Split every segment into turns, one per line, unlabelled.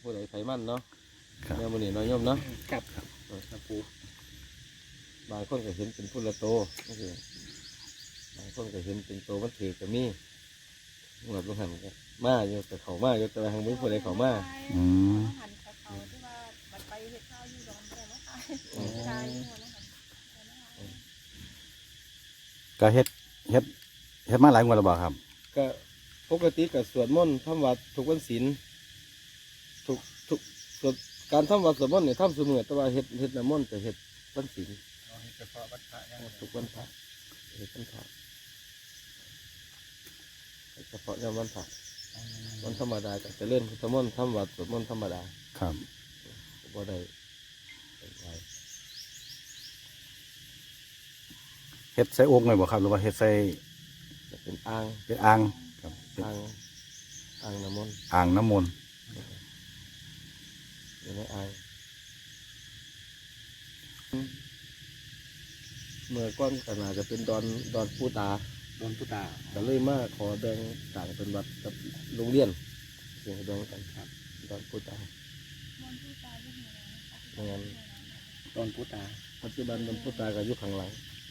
ผู้ใดไฟมันเนาะ
ครับ
แนวมันนี่น้อยย่อมเนาะ
ครับครับปู
บางคนก็เห็นเป็นพุละโตก็คือบางคนก็เห็นเป็นโตมันถือก็มีหมดลงหันก็มาอยู่แต่เขามาอยู่แต่ทางมือผู้ใดเขามา
อืม
หันเขาที่ว่าบัดไปเฮ็ดข้าวอยู่ดอนแม่เนาะค่ะชายหัวเนาะค่ะ
ก็เฮ็ดมาหลายงวดแล้วบ่ครับ
ก็ปกติก็สวดมนต์ทำวัดทุกวันศีลทุกสวดการทำวัดสวดมนต์เนี่ยทำเสมอแต่ว่าเฮ็ดน้ำมนต์แต่เฮ็ดวันศีล
เฉพาะวัดพระยัง
ทุกวันพระเฮ็ดวันพระเฉพาะในวันพระวันธรรมดาก็จะเล่นพุทธมนต์ทำวัดสวดมนต์ธรรมดา
ครับ
บ่ได้เป็นไร
เฮ็ดใส่โอ่งเลยบ่ครับหรือว่าเฮ็ดใส่
จะเป็นอ่าง
เป็นอ่างครับเป็น
อ่างน้ำมนต์
อ่างน้ำมนต์
อยู่ในอ่างเมื่อก้อนขนาดจะเป็นดอนปูตา
โดนพุตา
ก็เลยมาขอแบ่งต่างเป็นวัดกับโรงเรียนเสียงแบ่งกัน
ครับ
ดอนปูตา
มันผู้ตายที่หัวนะคะ
ไม่งั้น
โดนพุตา
ปัจจุบันดอนปูตาก็อยู่ข้างหลัง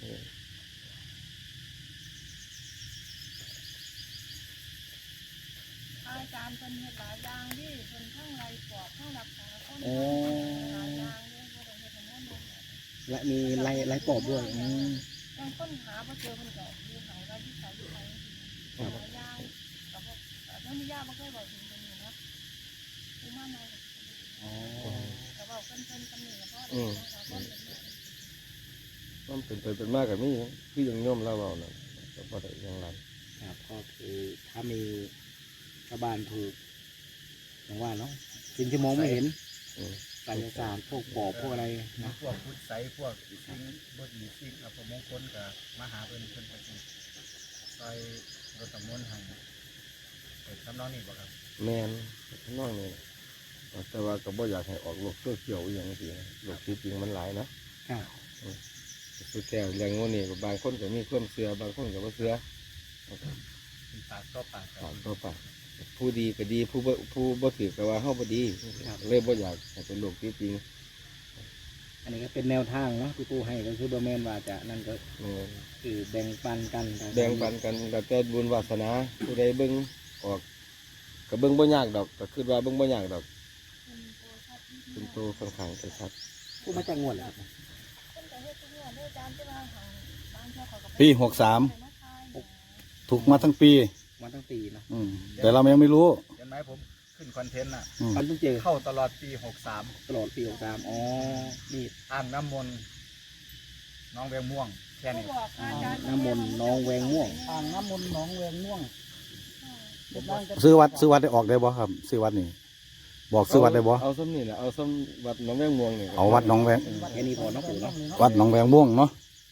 อาจารย์เป็นเฮ็ดหลายอย่างที่เป็นทั้งไรปอบทั้งรักษาคน
โอ้
หลายอย่างเลยบ่ได้เฮ็ดทั้งหมดเลย
และมีไล่ปอบด้วย
บางคนหาบ่เจอมันก็อยู่ไหนว่าที่ใส่อยู่ไหนหลายอย่างก็บ่แล้วมีญาติบ่เคยบอกถึงตรงนี้เนาะอุมาน้อย
อ๋อ
ก็บอกเพิ่นตำหนิกับพ่อเด้นะคะเพิ่นเป็นแม่
มันเป็นไปเป็นมากกับนี่คือยังโย่อมเล่าเราน่ะก็พอได้อยังไร
ครับก็คือถ้ามีชาวบ้านถูกอย่างว่าเนาะสิ่งที่มองไม่เห็น
อืม
ไสยศาสตร์พวกปอบพวกอะไรนะ
พวกพุทธไสพวกสิ่งบดีสิ่งอัปมงคลกับมาหาเพิ่นเพิ่นก็สิซอยรถตำมนต์ให้เปิดทำนองนี้บ่ครับ
แมนน้องนี่แต่ว่าก็บ่อยากให้ออกโลกโซเชียลอหย่างนี้โลกที่จริงมันหลายนะครับ สุดแก้วเรื่องนี้ก็บางคนก็มีความเชื่อบางคนก็บ่เชื่อ
เป็นปากต่อปากกั
ปาก
น
ต่อปากผู้ดีก็ดีผู้บ่ถือก็ว่าเฮาบ่ดีเลยบ่อยากให้เป็นโลกที่จริง
อันนี้ก็เป็นแนวทางเนาะที่ปูให้ก็คือบ่แม่นว่าจะนั่นก็
แม่น
คือแบ่งปันกัน
แบ่งปันกันแล้วแต่บุญวาสนาผู้ใดเบิ่งออกก็เบิ่งบ่ยากดอกก็คิดว่าเบิ่งบ่ยากดอกเป็นโตค่อนข้างจะชัด
ปูมาจากงวดเหรอครับ
เพิ่นก็เฮ็ดทุกอย่างเด้ออาจารย์ที่ว่าหางบางเทื่อเขาก็
ปี63ถูกมาทั้งปี
มาตั้งปีเนาะ
แต่เรายังไม่รู้
เห็นไหมผมขึ้นคอนเทนต์น่ะ
มันต้องเจอ
เข้าตลอดปี
ตลอดปี63อ๋อนี่
63อ่างน้ำมนต์น้องแวงม่วงแค่นี้
บอกอาจารย์
น้ำมนต์น้องแวงม่วง
อ่างน้ำมนต์หนองแวงม่วงเป็นร่างกระ
ซื้อวัดได้ออกได้บ่ครับซื้อวัดนี่บอกซื้อวัดได้บ่
เอาซ้ำนี่แหละเอาซ้ำวัดหนองแวงม่วงนี่
เอาวัดหนองแวง
แค่นี้พอเนาะปูเนาะ
วัดหนองแวงม่วงเนาะ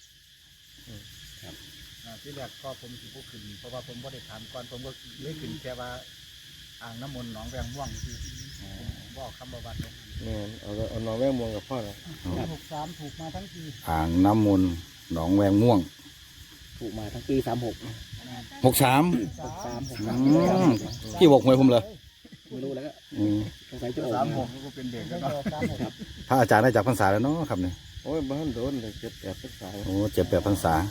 ที่แรกก็ผมสิบ่ขึ้นเพราะว่าผมบ่ได้ถามก่อนผมก็เลยขึ้นแค่ว่าอ่างน้ำมนต์น้องแวงม่วงคือผมบอกคำว่าวัดลง
แม่นเอาหนองแวงม่วงกับพ่อละ
63ถูกมาทั้งปี
อ่างน้ำมนต์หนองแวงม่วง
ถูกมาทั้งปี36
63
63
พี่บอกหวยผมเลย
ไม่รู้แล้วก็
อืม
สงสัยจะออก
36ก็เป็นเด็ก
ไม่
แล้ว
ต่
เนาะ
อ36
พระอาจารย์ได้จากพรรษาแล้วเนาะครับนี่
โอ้ยบ้านโดนเลย7-8ภาษา
โอ้7-8พรรษา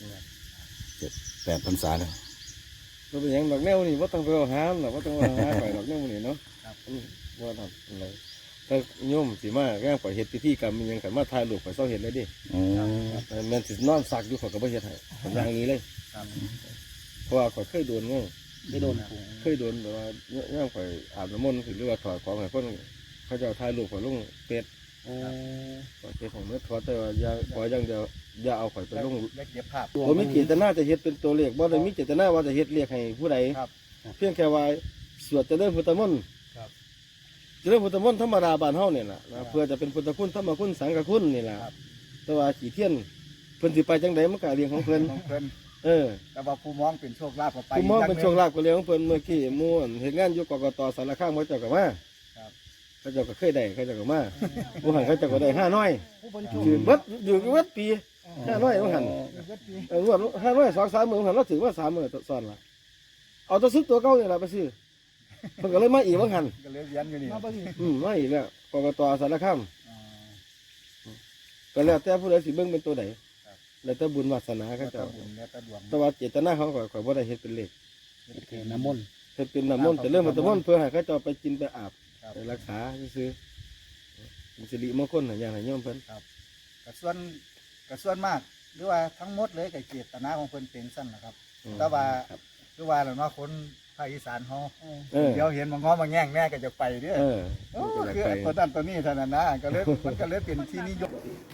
8พรรษาเลย
ก็เป็นหยังดอกแนวนี่บ่ต้องไปเอาหาหรอกบ่ต้องเอาหาไปดอกแนวนี่เนาะบ่ทำอะไรถ้าโยมสิมาแก้งปล่อยเฮ็ดพิธีกรรมมีหยังขันมาถ่ายรูปข่อยเศร้าเห็นเลยดิ
อ๋อ
แม่นสินอนซักอยู่ข่อยก็บ่เฮ็ดให้ผมอย่างนี้เลย
ครับ
เพราะว่าข่อยเคยโดนไง
ได้โดนปู
เคยโดนแบบว่าย่างข่อยอาบน้ำมนต์หรือว่าถอดของให้เพิ่นเขาเจะถ่ายรูปข่อยลงเฟซ
โอ้
ข่อยเฟซของเมื่อถอดแต่ว่าอย่าขออย่างเดียวอย่าเอาข่อยไปลง
เล็กเก็บภาพ
บ่มีเจตนาจะเฮ็ดเป็นตัวเลขบ่ได้มีเจตนาว่าจะเฮ็ดเรียกให้ผู้ใด
ครับ
เพียงแค่ว่าสวดเจริญพุทธมนต์
ครับ
เจริญพุทธมนต์ธรรมดาบ้านเฮาเนี่ยล่ะนะเพื่อจะเป็นพุทธคุณธรรมคุณสังฆคุณนี่ล่ะ
ครับ
แต่ว่าขี่เทียนเพิ่นสิไปจังไดมันก็เรื่องของเพิ่น
ของเพิ่น
เออ
แต่ว่าผู้มองเป็นโชคลาภก็ไป
ผู้มองเป็น
ย่าห
โชคลาภก็เรื่องของเพิ่นเมื่อกี้ม่วนเฮ็ดงานอยู่กกตสารคามเขาเจ้าก็มา
ครับ
เขาเจ้าก็เคยได้เขาเจ้าก็มาผู้หันเขาเจ้าก็ได้5น้อย
ผู้บรรจุ
อยู่เบิดอยู่เบิดปี5น้อยผู้หัน
เวทปี
งวด5น้อย2-3มื้อหันเราถือว่า3มื้อซ้อนล่ะเอาตัวซื้อตัวเก่านี่ล่ะไปซื้อเพิ่นก็เลยมาอีกว่าหัน
ก็เลยเรียนอยู่นี่
มาเบิ่งอีก
มาอีกแล้วกกตสารคาม
อ๋อ
ก็แล้วแต่ผู้ใดสิเบิ่งเป็นตัวใด
ครับ
แล้วแต่บุญวาสนา
ก็
เขา
ตะ
เจ้า
บุญแล้วตะดวง
แต่ว่าเจตนาเขาก็ข่อยบ่ได้เฮ็ดเป็นเลข
เทน้ำมนต์
เฮ็ดเป็นน้ำมนต์แต่เรื่องมันน้ำมนต์เพื่อให้เขาเจ้าไปกินไปอาบ
ครับ
ไปรักษาซื่อๆเป็นสิริมงคลให้อย่างให้โยมเพิ่น
กระส่วนมาก หรือว่าทั้งหมดเลยกับเจตนาของเพิ่นเป็นสั้นนะครับ
อืม
แต่ว่า
ครับ
คือว่าแล้วเนาะคนภาคอีสานเฮา
เออ
เดี๋ยวเห็นบางง้อบางแง่งแน่ก็จะไปเด้อ
เออ
โอ้
มันก็
คือ
อยาก
ตัว
ไป
นั้นตัวนี้เท่านั้นนะก็เลยมันก็เลยเป็นที่นิยม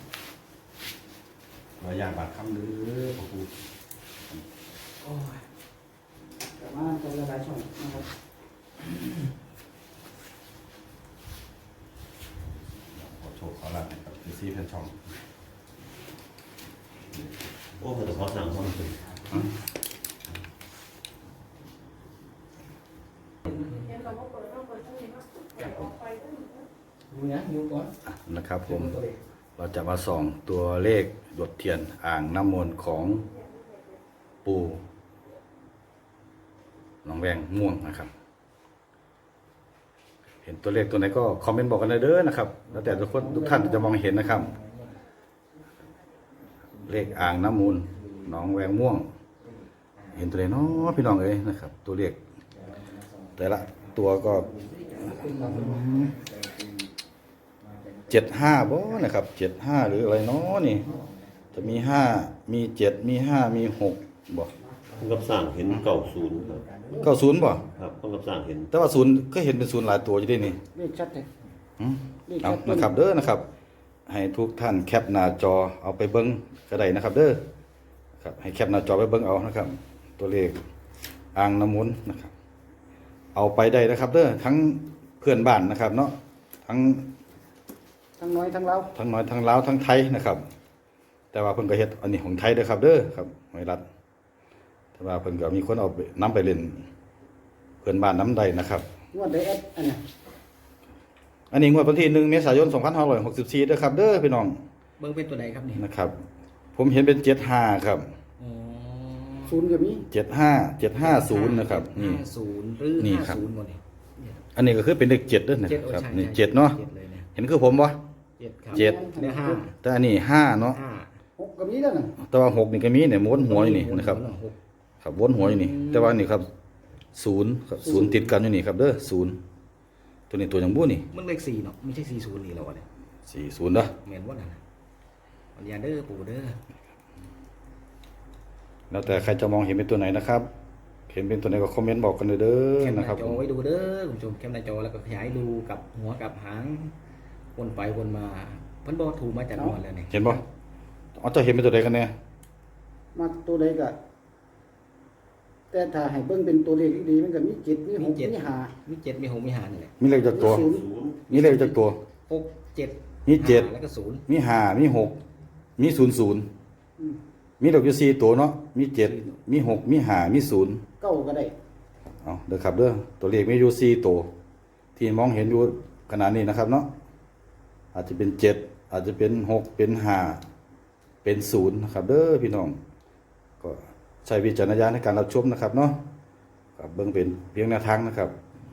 เราอยากบาดคำหรือพระครู
แต่ว่าจะหลายช่องนะครับ
ขอโชคขอลาบให้กับพี่ซีเพื่อนช่อง
โอ้แต่ขอสั่งความสุข
เห็นเราก็เปิดต้องเปิดทั้งนี้เนาะเปิดออกไปทั้งนี้เนาะ
ดูนะดูก่อน
นะครับผม เราจะมาส่องตัวเลขหยดเทียนอ่างน้ำมนต์ของปู่หนองแวงม่วงนะครับ เห็นตัวเลขตัวไหนก็คอมเมนต์บอกกันเลยเด้อนะครับ แล้วแต่ทุกท่านจะมองเห็นนะครับ เลขอ่างน้ำมูลหนองแวงม่วง เห็นตัวไหนเนาะพี่น้องเอ้ยนะครับ ตัวเลขแต่ละตัวก็75บ่นะครับ75หรืออะไรเนาะนี่ จะมี5มี7มี5มี6บ่
คนกับสั่งเห็นเก่าศูนย์ครับ
90บ่
ครับคนกับสั่งเห็น
แต่ว่า0ก็เห็นเป็น0หลายตัวอยู่ด้วยนี่
เลขชัดเลย
อืม
เลข
เอา
ชัด
นะครับเด้อนะครับ ให้ทุกท่านแคปหน้าจอเอาไปเบิ้งก็ได้นะครับ เด้อครับให้แคปหน้าจอไปเบิ้งเอานะครับ ตัวเลขอ่างน้ำมนต์นะครับ เอาไปได้นะครับ เด้อทั้งเพื่อนบ้านนะครับ เนาะทั้ง
ทั้งน้อยทั้งเรา
ทั้งน้อยทั้งลาวทั้งไทยนะครับ แต่ว่าเพิ่นก็เฮ็ดอันนี้ของไทยเด้อครับ เด้อครับหอยรัดแต่ว่าเพิ่นก็มีคนเอาไปนํไปเล่นเพื่อนบ้านน้ำใดนะครับ
งวดไดเอสอันเนี้ย
อันนี้งวดวันที่1เมษายน2564เด้อครับเด้อพี่น้อง
เบิ่งเป็นตัวใดครับนี่
นะครับ ผมเห็นเป็น75ครับ
อ๋อ
ศูนย์ก็มี
75750นะครับนี่
50หรือ
นี่ครับ
50บ่นี่
อันนี้ก็คือเป็นเลข7ด้วยนะ
เจ็ดโอ้
ครับ
ใช่
นี่
ใช่
7เนาะ
เจ็ดเลยเนี่ย
เห็นคือผมบ่
เจ็ดครับ
เจ็ด
เนี่ยห้า
แต่อันนี้5เนาะ
ห้า
หกก็มีแล้วน่ะ
แต่ว่า6นี่ก็มีเนี่ยม้วนหัวอยู่นี่นะครับ
หก
ครับวนหัวอยู่นี่ แต่ว่านี่ครับ0ครับ0ติดกันอยู่นี่ครับเด้อ0ตัวนี้ตัวยังบ่นี่
มันเลข4เนาะไม่ใช่40นี่แล้วอะเนี่ย
40เด้อ
แม่นบ่นั่นน่ะปัญญาเด้อปู่เด้อ
แล้วแต่ใครจะมองเห็นเป็นตัวไหนนะครับ เห็นเป็นตัวไหนก็คอมเมนต์บอกกันเลยเด้
แค
อ
ปห
นะ
น้า
ครับ
จอไว้ดูเด้อคุณผู้ชมแคปหน้าจอแล้วก็ขยายดูกับหัวกับหางวนไปวนมาเพิ่นบอกถูกมาจากนวดแล้วนี่
เห็นบ่เอาจะเห็นเป็นตัวใดกันแน่
มาตัวใดก็แต่ถ้าให้เบิ่งเป็นตัวเลขดีๆมันก็มีเจ็ดมีหกมีห้า
มีเจ็ดมีหกมีหานี่แหละ
มีเลขจากตัว
ศูนย์
ศูนย์
มีเลขจากตัว
หกเจ็ด
มีเจ็ด
ห้าแล้วก็ศูนย์
มี5มี6มี00
อืม
มีดอกอยู่4ตัวเนาะมี7มี6มี5มี0
เก้าก็ได้
เอาเด้อครับเด้อตัวเลขมีอยู่4ตัวที่มองเห็นอยู่ขณะนี้นะครับเนาะอาจจะเป็น7อาจจะเป็น6เป็น5เป็น0นะครับเด้อพี่น้องก็ใช้วิจารณญาณในการรับชมนะครับเนาะครับเบิ่งเป็นเพียงแนวทางนะครับ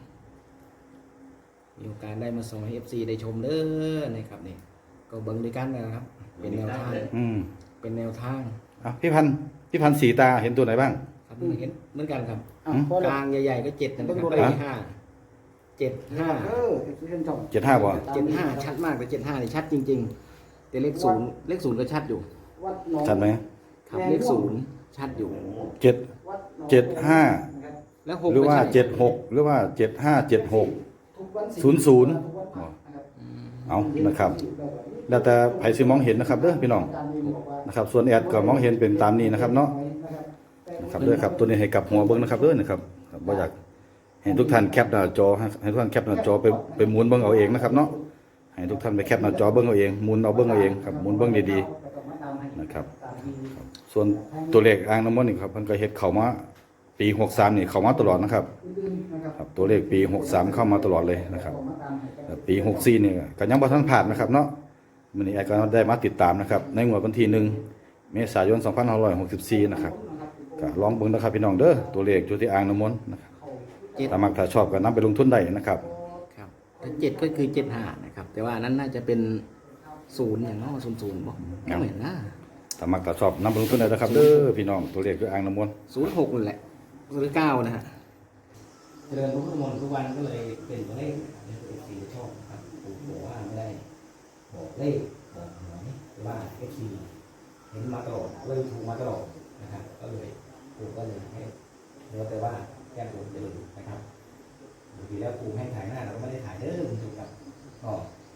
มีโอกาสได้มาส่งให้ FC ได้ชมเด้อนะครับนี่ก็เบิ่งด้วยกันนะครับ เป็นแนวทาง
อืม
เป็นแนวทาง
อ่ะพี่พันธุ์สีตาเห็นตัวไหนบ้าง
ครับเห็นเหมือนกันครับ
อ่ะ
อืม
พอก แล้ว
ลางใหญ่ๆก็เจ็ดนะครับ
เบิ่งดู
เล
ได้
ขห้าเจ็ดห้า
เออเห็นช่อง
75บ่
เจ็ดห้าชัดมากแต่75นี่ชัดจริง ๆ แต่เลขศูนย์ก็ชัดอยู่
วัดหนอง
ชัดไหม
ครับเลขศูนย์ชัดอยู่
7
วัดหนอง
75
นะครับ
แล้วหก
หรือว่า
ก็ใช่
76หรือว่า75 76
ทุกวัน
ศูนย์ศูนย์
ทุกวันพระนะครับ
เอานะครับ แล้วแต่ไผสิมองเห็นนะครับเด้อพี่น้อง
อาจารย์มีบอกว่า
นะครับ ส่วนแอดก็มองเห็นเป็นตามนี้นะครับเนาะนะครับเด้อครับตัวนี้ให้กลับหัวเบิ่งนะครับเด้อนะครับครับบ่อยากให้ทุกท่านแคปหน้าจอให้ทุกท่านแคปหน้าจอไปหมุนเบิ่งเอาเองนะครับเนาะให้ทุกท่านไปแคปหน้าจอเบิ่งเอาเองหมุนเอาเบิ่งเอาเองครับหมุนเบิ่งดีๆนะครับ ส่วนตัวเลขอ่างน้ำมนต์นี่ครับเพิ่นก็เฮ็ดเข้ามาปี63นี่เข้ามาตลอดนะครับครับตัวเลขปี63เข้ามาตลอดเลยนะครับแต่ปี64นี่ก็ยังบ่ทันผ่านนะครับเนาะมื้อนี้แอดก็ได้มาติดตามนะครับในงวดวันที่1เมษายน2564นะครับก็ลองเบิ่งนะครับพี่น้องเด้อตัวเลขอยู่ที่อ่างน้ำมนต์นะครับ
7
ถ้ามักถ้าชอบก็นํไปลงทุนได้นะครับ
ครับถ้า7ก็คือ75นะครับ แต่ว่าอันนั้นน่าจะเป็น0อย่างเนาะ00บ่ไม่เหมือนนะ
ถ้ามักถ้าชอบนํไปลงทุนได้นะครับเด้อพี่น้องตัวเลขคืออ่างน้ำมนต์
06นั่นแหละหรือ9นะฮะเดินพุทธมนต์ทุกวันก็เลยเป็นตัวเลขในตัวเอฟซีชอบครับผมบอกว่าไม่ได้บอกเลขบอกหวยแต่ว่าเอฟซีเห็นมาตลอดเลยถูกมาตลอดนะครับก็เลยผมก็เลยให้เดี๋ยวแต่ว่าแก้ผมจะดูนะครับบางทีแล้วครูให้ถ่ายหน้าเราก็ไม่ได้ถ่ายเด้อคุณผู้ชมครับก็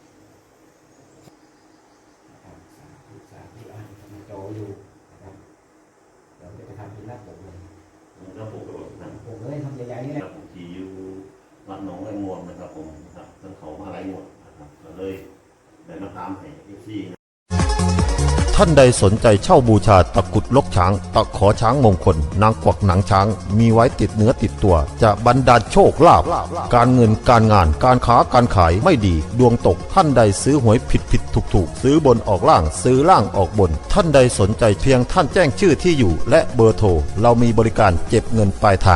นะครับสาธุอ่านมาจออยู่นะครับเดี๋ยวจะไปทำเป็นหน้าปกเลย
แล้วผมก็บอกนะ
ผมเลยทำใหญ่ๆนี่แหละ
ผมที่อยู่วัดหนองไร่มวลนะครับผมนะครับทั้งเขามาไร่มวลนะครับก็เลยได้มาตามให้เอฟซี
ท่านใดสนใจเช่าบูชาตะกรุดลกช้าง ตะขอช้างมงคล นางกวักหนังช้าง มีไว้ติดเนื้อติดตัว จะบรรดาลโชคลาภการเงินการงานการค้าการขายไม่ดี ดวงตกท่านใดซื้อหวยผิดถูกซื้อบนออกล่างซื้อล่างออกบน ท่านใดสนใจเพียงท่านแจ้งชื่อที่อยู่ และเบอร์โทรเรามีบริการเก็บเงินปลายทาง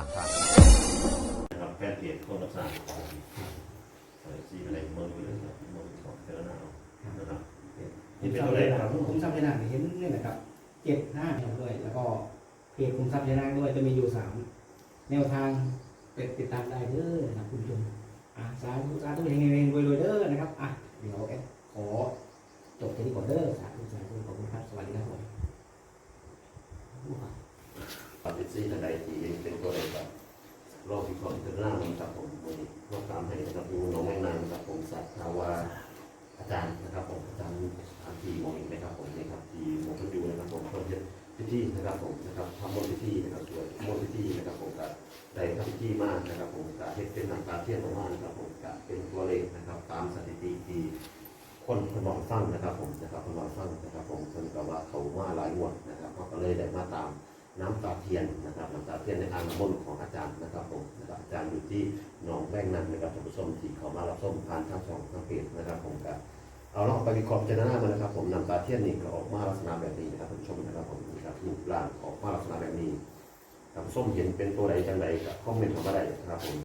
นะครับแฟนเพจคนรับสร้างซีอะไรเมืองไปเลยครับเมืองของเจริญนานะครับนี่เป็นตัวเลขครับ
คุ้มทรัพย์ยานางเห็นนี่แหละครับ75ด้วยแล้วก็เพจคุ้มทรัพย์ยานางด้วยจะมีอยู่3แนวทางไปติดตามได้เด้อนะครับคุณผู้ชมสาธุเฮงๆรวยๆเด้อนะครับเดี๋ยวแอดขอจบแค่นี้ก่อนเด้อสาธุขอบคุณครับสวัสดีครับผม
ปฏิเสธใดที่เป็นตัวเลขครับรอบที่ของเจริญนานะครับผมวันนี้รอบตามให้นะครับอยู่หนองแมงนางนะครับผมสัตว์าวาอาจารย์นะครับผมอาจารย์อันทีมองเห็นไหมครับผมนี่ครับที่มองขึ้นอยู่นะครับผมก็จะพิธีนะครับผมนะครับทำมนต์พิธีนะครับสวดมนต์พิธีนะครับผมก็ได้ทำพิธีมากนะครับผมก็เฮ็ดเป็นน้ำตาเทียนออกมานะครับผมก็เป็นตัวเลขนะครับตามสถิติที่คนนอนฟังนะครับผมนะครับคนนอนฟังนะครับผมคนก็ว่าเขามาหลายงวดนะครับเขาก็เลยได้มาตามน้ำตาเทียนนะครับน้ำตาเทียนในอ่างน้ำมนต์ของอาจารย์นะครับผมนะครับอาจารย์อยู่ที่หนองแวงนันนะครับท่านผู้ชมที่เขามารับชมผ่านทางช่องทางเพจนะครับผมก็เอาลองไปวิเคราะห์พิจารณามานะครับผมน้ำตาเทียนนี่ก็ออกมาลักษณะแบบนี้นะครับท่านผู้ชมนะครับผมนี่ครับรูปร่างออกมาลักษณะแบบนี้ท่านผู้ชมเห็นเป็นตัวใดจังใดก็คอมเมนต์เข้ามาได้นะครับผม